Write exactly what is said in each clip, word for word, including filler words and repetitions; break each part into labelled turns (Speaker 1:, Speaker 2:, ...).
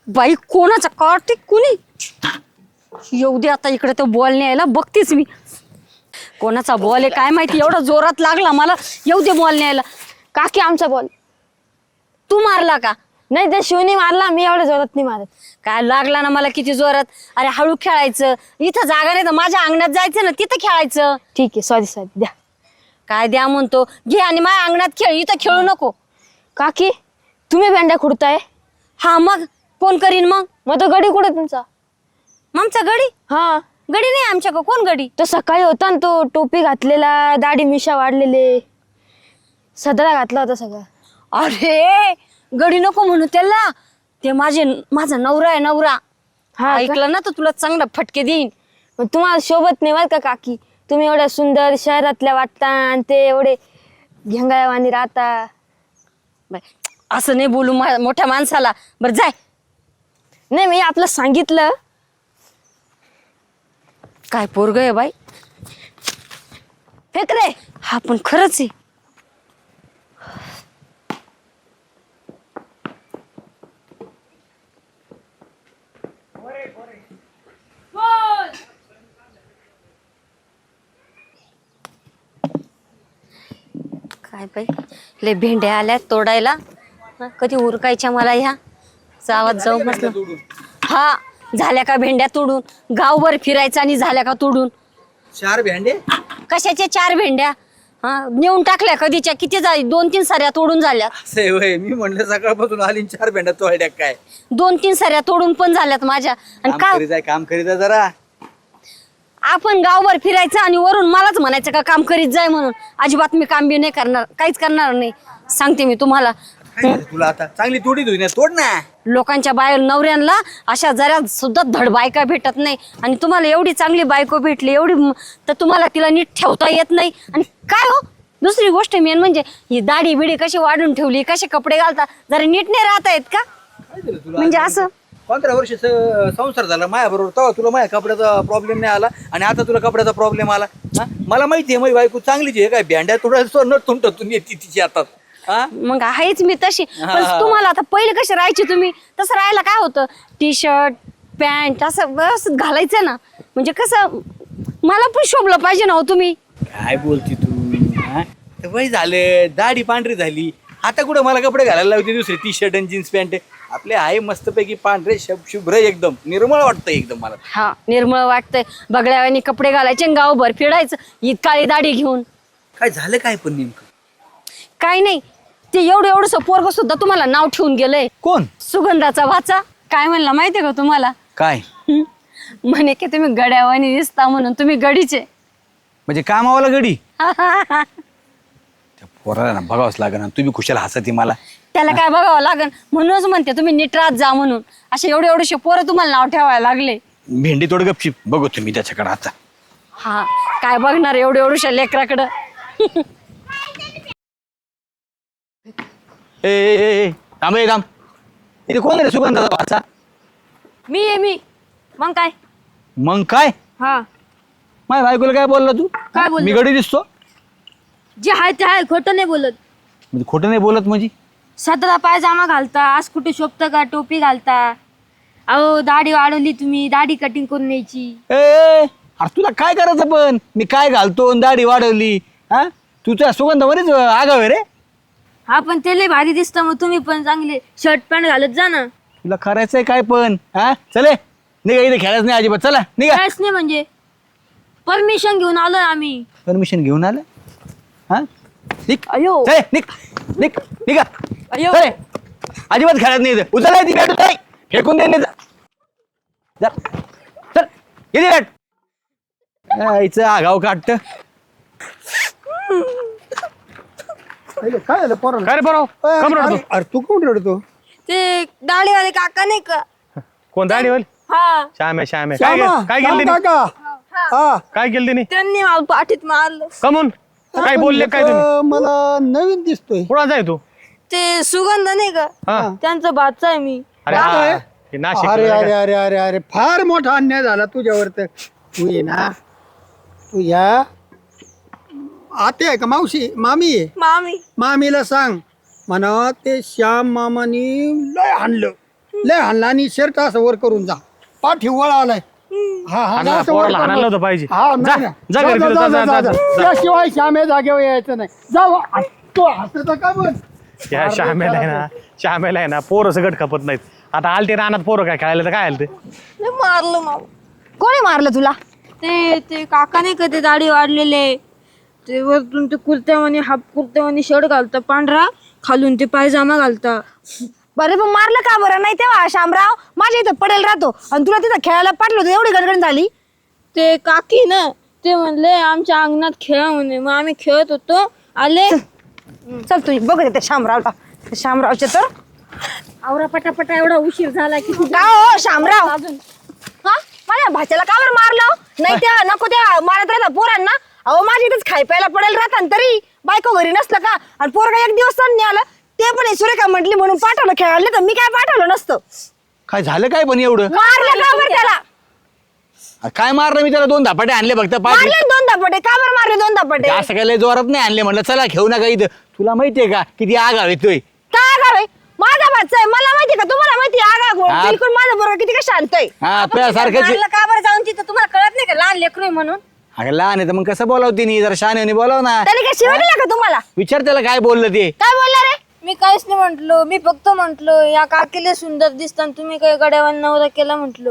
Speaker 1: बाई कोणाचा कार्तिक कुणी येऊ दे आता इकडे तो बॉल न्यायला बघतेच मी. कोणाचा बॉल आहे काय माहिती एवढा जोरात लागला मला. येऊ दे बॉल न्यायला.
Speaker 2: काकी आमचा बॉल.
Speaker 1: तू मारला का?
Speaker 2: नाही ते शिवनी मारला, मी एवढ्या जोरात नाही मारत.
Speaker 1: काय लागला ना मला किती जोरात. अरे हळू खेळायचं. इथं जागा नाही तर माझ्या अंगणात जायचं ना तिथं खेळायचं.
Speaker 2: ठीक आहे सॉरी सॉरी द्या.
Speaker 1: काय द्या म्हणतो घे आणि माझ्या अंगणात खेळ इथं खेळू नको.
Speaker 2: काकी तुम्ही भेंड्या खुडताय?
Speaker 1: हा मग कोण करीन मग.
Speaker 2: मग तो गडी कुठे तुमचा?
Speaker 1: आमचा गडी
Speaker 2: हा
Speaker 1: गडी नाही आमच्या का. कोण गडी?
Speaker 2: तो सकाळी होता ना, तो टोपी घातलेला, दाढी मिशा वाढलेले, सदरा घातला होता सगळं.
Speaker 1: अरे गडी नको म्हणू त्याला. ते माझे माझा नवरा आहे नवरा.
Speaker 2: हा
Speaker 1: ऐकलं ना तर तुला चांगला फटके देईन.
Speaker 2: मग तुम्हाला शोभत नाही बरं का काकी. तुम्ही एवढ्या सुंदर शहरातल्या वाटता आणि ते एवढे घेंगाळवाणी राहता.
Speaker 1: बाई, असं नाही बोलू मा- मोठ्या माणसाला. बरं जाय.
Speaker 2: नाही मी आपलं सांगितलं.
Speaker 1: काय पोरग आहे बाई.
Speaker 2: फेक रे.
Speaker 1: हा पण खरंच आहे. काय बाई लय भेंड्या आल्या तोडायला. हा, कधी उरकायच्या मला ह्या गावात जाऊ म्हटलं. हा झाल्या का भेंड्या तोडून. गावभर फिरायचं आणि झाल्या का तोडून.
Speaker 3: चार भेंडे
Speaker 1: कशाचे चार भेंड्या. हा नेऊन टाकल्या कधीच्या. किती झाली. दोन तीन साऱ्या तोडून झाल्या.
Speaker 3: असे होय. मी म्हणलं सकाळपासून आली आणि चार भेंड्या तोडल्या काय.
Speaker 1: दोन तीन साऱ्या तोडून पण झाल्यात माझ्या. आणि
Speaker 3: काम
Speaker 1: का
Speaker 3: करीत आहे काम करीत आहे जरा.
Speaker 1: आपण गावभर फिरायचं आणि वरून मलाच म्हणायचं का काम करीत जाय म्हणून. अजिबात मी काम बी नाही करणार. काहीच करणार नाही. सांगते मी तुम्हाला.
Speaker 3: काय झालं तुला आता चांगली तोडी धुई ना तोड ना.
Speaker 1: लोकांच्या बाय नवऱ्यांना अशा जरा सुद्धा धड बायका भेटत नाही. आणि तुम्हाला एवढी चांगली बायको भेटली एवढी म- तर तुम्हाला तिला नीट ठेवता येत नाही. आणि काय हो दुसरी गोष्ट मेन म्हणजे ही दाढी बिडी कशी वाढून ठेवली. कसे कपडे घालता. जरा नीट नाही राहता येत का.
Speaker 3: काय झालं तुला
Speaker 1: म्हणजे असं
Speaker 3: पंधरा वर्ष संसार झाला माझ्या बरोबर. तेव्हा तुला माझ्या कपड्याचा प्रॉब्लेम नाही आला आणि आता तुला कपड्याचा प्रॉब्लेम आला. हा मला माहिती आहे माझी बायको चांगलीच आहे. काय भेंड्या तोडायचं न तुंटतून येते तिची हातात. हा
Speaker 1: मग आहेच मी तशी. पण
Speaker 3: हा.
Speaker 1: तुम्हाला आता पहिले कसे राहायचे तुम्ही तसं राहायला काय होतं. टी शर्ट पॅन्ट असं व्यवस्थित घालायचं ना. म्हणजे कसं मला पण शोभलं पाहिजे ना हो तुम्ही.
Speaker 3: काय बोलती तू. हा? ते वय झालं दाढी पांढरी झाली. आता कुठं मला कपडे घालायला लावते दुसरे टी शर्ट आणि जीन्स पॅन्ट. आपले आहे मस्तपैकी पांढरे शब शुभ्र एकदम निर्मळ वाटतं एकदम मला.
Speaker 1: हा निर्मळ वाटतंय. बगड्यावानी कपडे घालायचे आणि गावभर फिरायचं ही काळी दाढी घेऊन.
Speaker 3: काय झालं काय पण नेमकं.
Speaker 1: काय नाही ते एवढं एवढंसं पोरग सुद्धा तुम्हाला नाव ठेवून गेलंय.
Speaker 3: कोण
Speaker 1: सुगंधाचा वाचा. काय म्हणला माहितीये का तुम्हाला.
Speaker 3: काय
Speaker 1: म्हणे की तुम्ही गड्यावानी दिसता म्हणून तुम्ही गडीचे.
Speaker 3: म्हणजे कामावाला गडी. त्या पोराला ना बघावंच लागेल ना. तुम्ही खुशाल हसती मला.
Speaker 1: त्याला काय बघावं लागन म्हणूनच म्हणते तुम्ही नीट राहत जा म्हणून. असे एवढे एवढेशे पोरं तुम्हाला नाव ठेवायला लागले.
Speaker 3: भेंडी तोड गपची बघू तुम्ही त्याच्याकडे आता.
Speaker 1: हा काय बघणार एवढे एवढ्या लेकराकडं.
Speaker 3: ए ए, ए, ए, थांब ए, थांब. इथे कोण रे सुगंधाचा वाचा.
Speaker 2: मी आहे मी. मग काय.
Speaker 3: मग काय
Speaker 2: हा
Speaker 3: माझ्या बायकोला काय बोलला तू.
Speaker 2: काय बोललो?
Speaker 3: मी गडी दिसतो.
Speaker 2: जे आहे ते आहे, खोटं नाही बोलत.
Speaker 3: म्हणजे खोटं नाही बोलत म्हणजे.
Speaker 2: सदरा पायजामा घालता, आज कुठे शोभतं का, टोपी घालता. अहो दाढी वाढवली तुम्ही, दाढी कटिंग करून न्यायची.
Speaker 3: ए अरे तुला काय करायचं पण. मी काय घालतो आणि दाढी वाढवली. हा तुझ्या सुगंधावरच आगाव आहे रे.
Speaker 2: हा पण ते लय भारी दिसतं. मग तुम्ही पण चांगले शर्ट पॅन्ट घालत जा ना.
Speaker 3: तुला करायचंय काय पण. हा चले निघा. इथे खेळायचं नाही अजिबात. चला निघा.
Speaker 2: काहीच नाही म्हणजे परमिशन घेऊन आलोय आम्ही.
Speaker 3: परमिशन घेऊन आलं. हा निघ.
Speaker 2: अयो
Speaker 3: चले निघ निघ निघा.
Speaker 2: अयो
Speaker 3: चले अजिबात खेळत नाही इथे. उचल ती बॅट नाही फेकून दे. जा चल किती बॅट. यायचं आगाव काढत.
Speaker 4: काय झालं पोराला?
Speaker 5: काय रे बरं कम रडतो.
Speaker 4: अरे तू कोण रडतो?
Speaker 2: ते दाढीवाले काका नाही का.
Speaker 5: कोण दाढी होईल.
Speaker 2: हा
Speaker 5: श्याम आहे श्याम आहे. काय
Speaker 4: श्यामा,
Speaker 5: केलं- काय केलं
Speaker 4: श्याम
Speaker 5: तिने
Speaker 4: काका. हा.
Speaker 5: काय केलं तिने
Speaker 2: त्यांनी मला पाठीत मारलं.
Speaker 5: कमून काय बोलले काय तुम्ही.
Speaker 4: अं, मला नवीन दिसतोय.
Speaker 5: कुणाचा आहे तू.
Speaker 2: ते सुगंध नाही का
Speaker 5: हा
Speaker 2: त्यांचा बादचा आहे मी.
Speaker 5: अरे
Speaker 4: काय?
Speaker 5: हा, हे नाशिक
Speaker 4: अरे अरे अरे अरे अरे फार मोठा अन्याय झाला तुझ्यावर. तर तू ये ना. तू या आते आहे का मावशी मामी आहे.
Speaker 2: मामी
Speaker 4: मामीला सांग म्हणा ते श्याम मामानी लय आणलं. लय हल्ला आणि शर्ट असं वर करून जा पाठी वळा आलाय हा हा
Speaker 5: हाणला,
Speaker 4: असं वर
Speaker 5: पोराला
Speaker 4: करून.
Speaker 5: हाणायला नव्हतं पाहिजे.
Speaker 4: हा,
Speaker 5: जा,
Speaker 4: नाही, नाही.
Speaker 5: जा घरी,
Speaker 4: जा,
Speaker 5: जा,
Speaker 4: जा,
Speaker 5: जा,
Speaker 4: जा,
Speaker 5: जा,
Speaker 4: जा.
Speaker 5: जा.
Speaker 4: त्याशिवाय श्यामे जागेवर यायचं नाही जा तो हसत का बघ
Speaker 5: या श्यामेला आहे ना श्यामेला आहे ना पोरं सगळं खपत नाहीत. आता आलते रानात पोरं काय खेळायला तर काय आलं ते
Speaker 2: मारलं माऊ
Speaker 1: कोणी मारलं तुला?
Speaker 2: ते ते काका नाही का ते दाढी वाढलेले ते वरतून ते कुर्त्यावानी हाफ कुर्त्यावानी शर्ट घालता पांढरा खालून ते पायजामा घालता.
Speaker 1: बरे पण मारलं का बरं? नाही तेव्हा शामराव माझ्या इथं पडेल राहतो आणि तुला तिथं खेळायला पाठलं होतं एवढी गणगण झाली.
Speaker 2: ते काकी ना ते म्हणले आमच्या अंगणात खेळा म्हणे मग आम्ही खेळत होतो आले.
Speaker 1: चल तू बघ ते शामरावला ते शामरावचे तर
Speaker 2: आवरा पटापटा एवढा उशीर झाला की
Speaker 1: का हो शामराव हा माझ्या भाच्याला का बरं मारलं? नाही त्या नको त्या मारत राहता पोरांना. अहो माझ्या इथेच खाय प्यायला पडेल राहता तरी बायको घरी नसलं का आणि पोरगा एक दिवस सण नाही आलं ते पण हे सुरेखा म्हटली म्हणून पाठवलं खेळायला तर मी काय पाठवलं नसतं.
Speaker 3: काय झालं काय पण एवढं
Speaker 1: मारलं का बरं त्याला?
Speaker 3: काय मारलं मी त्याला दोन धापाटे आणले फक्त पाच
Speaker 1: मारले दोन धपाटे का बरं मारले दोन धपाटे?
Speaker 3: असं काय लय जोरात नाही आणले म्हणलं चला घेऊ नका इथं. तुला माहितीये का किती आग येतोय
Speaker 1: काय गावे माझा भाचा आहे मला माहिती का तुम्हाला माहिती आगा
Speaker 3: हा.
Speaker 1: बिलकुल माझा बरोबर किती का शांत आहे.
Speaker 3: हा तुझ्यासारखंच आहे.
Speaker 1: मारलं का बरं जाऊन तिथं तुम्हाला कळत नाही का लहान लेकरू आहे म्हणून?
Speaker 3: अगं लहान आहे तर मग कसं बोलावते नी जरा शहाणे बोलाव ना
Speaker 1: त्याने काय शिवाय दिला का तुम्हाला?
Speaker 3: विचार त्याला काय बोललं ते
Speaker 1: काय बोलला रे?
Speaker 2: मी काहीच नाही म्हंटलो मी फक्त म्हंटलो या काकीला सुंदर दिसतात तुम्ही काही गड्यावान नवरा केला म्हंटलो.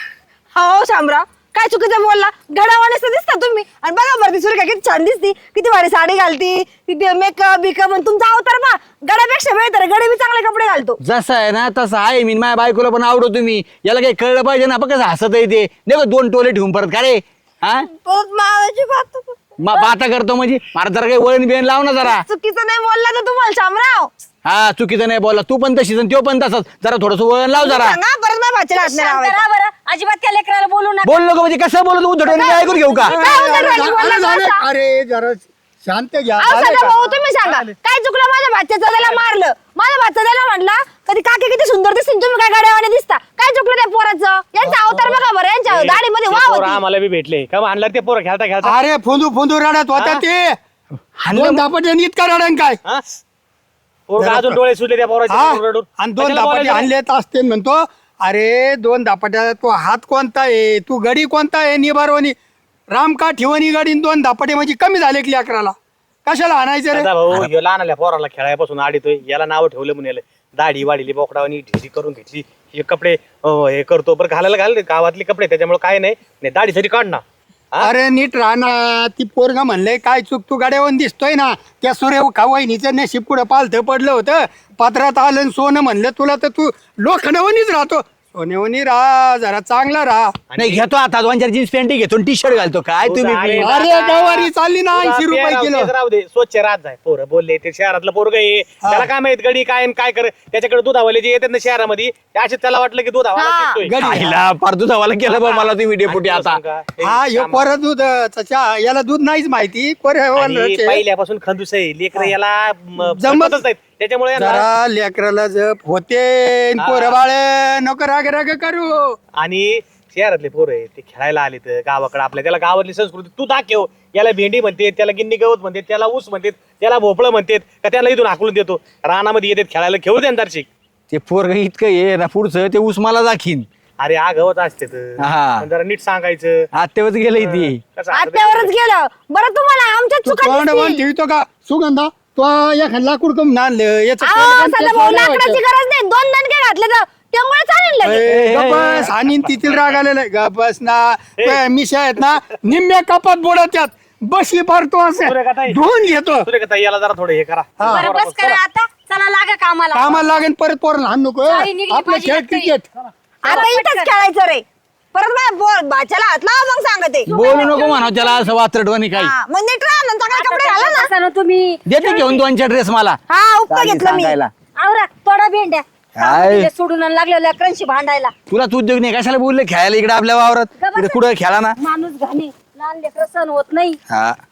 Speaker 1: हो शामराव काय चुकीचं बोलला? घडावानेच दिसता तुम्ही आणि बघा बरं ती सुरेखा किती छान दिसती किती भारी साडी घालती किती मेकअप बिकअप आणि तुमचा अवतार बा गड्यापेक्षा बेहतर गडे बी चांगले कपडे घालतो.
Speaker 3: जसं आहे ना तसं आहे मी माझ्या बायकोला पण आवडतो तुम्ही याला काही कळलं पाहिजे ना बघ कसं हसत आहे ते नाही का दोन टोले ठेवून परत का रे हा
Speaker 2: परत मावाची बात
Speaker 3: मग बाता करतो म्हणजे मला जरा काही वळण बिळण लाव ना जरा
Speaker 1: चुकीचं नाही बोलला तर तुम्हाला शामराव
Speaker 3: हा चुकीचं नाही बोला तू पण तशीच आणि तो पण तसंच जरा थोडस वळण लाव जरा
Speaker 1: सांगा परत माझ्या भाच्याला हात नाही लावायचा.
Speaker 2: बरं अजिबात त्या लेकराला बोलू नका.
Speaker 3: बोल नको म्हणजे कसं बोलत उद्धटवाणी मी ऐकून घेऊ का
Speaker 1: काय उद्धट राहिली
Speaker 4: अरे,
Speaker 1: बोलला
Speaker 4: झालं,
Speaker 1: का?
Speaker 4: अरे जरा शांत घ्या
Speaker 1: अहो,
Speaker 4: झालं
Speaker 1: सदा
Speaker 4: का?
Speaker 1: भाऊ तुम्ही सांगा काय चुकलं माझ्या भाच्याचं त्याला मारलं माझ्या भाचा त्याला म्हटला कधी काकी किती सुंदर दिसतील तुम्ही काय गाड्यावाने दिसता काय चुकलं त्या पोराचं? यांचा अवतार बघा बरं यांच्या दाढीमध्ये
Speaker 5: ते
Speaker 1: वाव
Speaker 5: पोरं
Speaker 1: होती.
Speaker 5: आम्हाला बी भेटले का आणलं ते पोरं खेळता खेळता
Speaker 4: अरे फोंदू फोंदू रडत होत्या ते दोन धापाटे इतका रडण काय
Speaker 5: हा? पोरं अजून डोळे सुटले त्या पोराचे
Speaker 4: हा
Speaker 5: रडून.
Speaker 4: आणि दोन
Speaker 5: कशाला
Speaker 4: धापाटे
Speaker 5: बोलायचं?
Speaker 4: आणलेत असते म्हणतो अरे दोन धापाट्या तो हात कोणता आहे तू गडी कोणता आहे निबारवणी रामका ठेवणी गडी आणि दोन धापाटे म्हणजे कमी झाले की अकराला कशाला आणायचं रे
Speaker 5: दादा भाऊ ह्यो लहानल्या पोराला खेळायपासून आडितोय याला नाव ठेवलं म्हणून याला दाढी वाढली बोकडावानी ढिरी करून घेतली हे कपडे अं, हे करतो बरं घालायला घालले गावातले कपडे त्याच्यामुळे काय नाही नाही, दाढी तरी काढ ना हा?
Speaker 4: अरे नीट राहणार ती पोरगा म्हणले काय चूक तू गाड्यावर दिसतोय ना त्या सूर्य वहिनीचं नशीब पुढं पालथं पडलं होतं पात्रात आलं आणि सोनं म्हणलं तुला तर तू लोखंडवणीच राहतो सोनेवणी राहा जरा चांगला राहा
Speaker 3: नाही घेतो आता दोन चार जीन्स पॅन्ट घेतो टी शर्ट घालतो काय तुम्ही
Speaker 5: अरे,
Speaker 3: बी?
Speaker 4: अरे गवारी चालली ना ऐंशी रुपये
Speaker 5: राहू
Speaker 4: किलो
Speaker 5: दे, राहू दे स्वच्छ राहत जाय पोरं बोलले ते शहरातलं पोरग आहे त्याला काय माहित गडी काय आणि काय कर त्याच्याकडे दुधावाले जे येतात ना शहरामध्ये असे त्याला वाटलं की दुधावाला दिसतोय.
Speaker 4: गडी.
Speaker 3: आईला फार दुधावाला केलं बा मला तुम्ही डेपुटी
Speaker 5: आणि
Speaker 3: आता
Speaker 5: तुला सांगू का?
Speaker 4: हा
Speaker 5: हे
Speaker 4: ह्यो
Speaker 5: कामा-
Speaker 4: परत दूध चचा याला दूध नाहीच माहिती
Speaker 5: आणि
Speaker 4: पर्यावरण
Speaker 5: पहिल्यापासून खंदूस आहे लेकर याला म,
Speaker 4: जमत-
Speaker 5: जमतच नाहीत त्याच्यामुळे यांना-
Speaker 4: जरा लेकराला जप होते पोर बाळ नको राग राग करू
Speaker 5: आणि शहरातले पोरं आहे ते खेळायला आले तर गावाकडे आपल्या त्याला गावातली संस्कृती तू दाखव याला भेंडी म्हणते त्याला गिन्नी गवत म्हणते त्याला ऊस म्हणते त्याला भोपळं म्हणतात का त्याला इथून हाकलून देतो रानामध्ये येतात खेळायला खेळू दे अंधारशी
Speaker 3: ते पोरग इतकं ये ना पुढचं ते ऊस मला दाखीन
Speaker 5: अरे आ गवत असते तर.
Speaker 3: हा.
Speaker 5: पण जरा नीट सांगायचं
Speaker 3: आत्यावच गेलंय ती
Speaker 5: कसं असतं ते?
Speaker 1: आत्यावरच गेलं बरं तुम्हाला आमच्या
Speaker 4: तू
Speaker 1: चुका
Speaker 4: तोंड बांध
Speaker 1: दिसती.
Speaker 4: ठेवतो का सुगंधा तो एखाद लाकूड कम आणलं याचं
Speaker 1: अहो,
Speaker 4: तोंड पण
Speaker 1: सदा
Speaker 4: तेच
Speaker 1: भाऊ
Speaker 4: लावायचं.
Speaker 1: लाकडाची गरज नाही दोन दणके घातले तर त्यामुळे चालेल लगेच.
Speaker 4: ए, गप्पस आणि तिथील राग आलेला आहे. गप्पस ना त्या मिशा आहेत ना निम्म्या कपात बोडत्यात बशी भरतो असं
Speaker 5: सूर्यकांताई.
Speaker 4: धुवून घेतो
Speaker 5: सूर्यकांता याला जरा थोडं हे करा
Speaker 4: हा.
Speaker 1: बरं बस करा आता चला लागा कामाला
Speaker 4: कामाला लागेल परत पोरला हाण नको
Speaker 1: सारी निघली
Speaker 4: आपलं
Speaker 1: माझी
Speaker 4: खेळ
Speaker 1: हात तरी.
Speaker 4: क्रिकेट
Speaker 1: आता इथंच खेळायचं रे परत माझ्या बो- भाच्याला हात लावा मग सांगते
Speaker 3: बोलू नको म्हणा त्याला असं वात्रटवानी काही
Speaker 1: हा, मग नीट राहा ना चांगले कपडे घाला ना तुम्ही
Speaker 3: देते घेऊन दोन चार ड्रेस मला
Speaker 1: हा उपका
Speaker 3: चालेल,
Speaker 1: घेतलं मी
Speaker 3: सांगायला.
Speaker 1: आवरा थोडा भेंड्या
Speaker 3: काय?
Speaker 1: तिथे सोडून आणि लागल्या लेकरांशी भांडायला
Speaker 3: तुलाच उद्योग नाही कशाला बोलले खेळायला इकडे आपल्या वावरात इकडे कुठं खेळा ना
Speaker 1: माणूस घाणे लहान लेकर सण होत नाही
Speaker 3: हा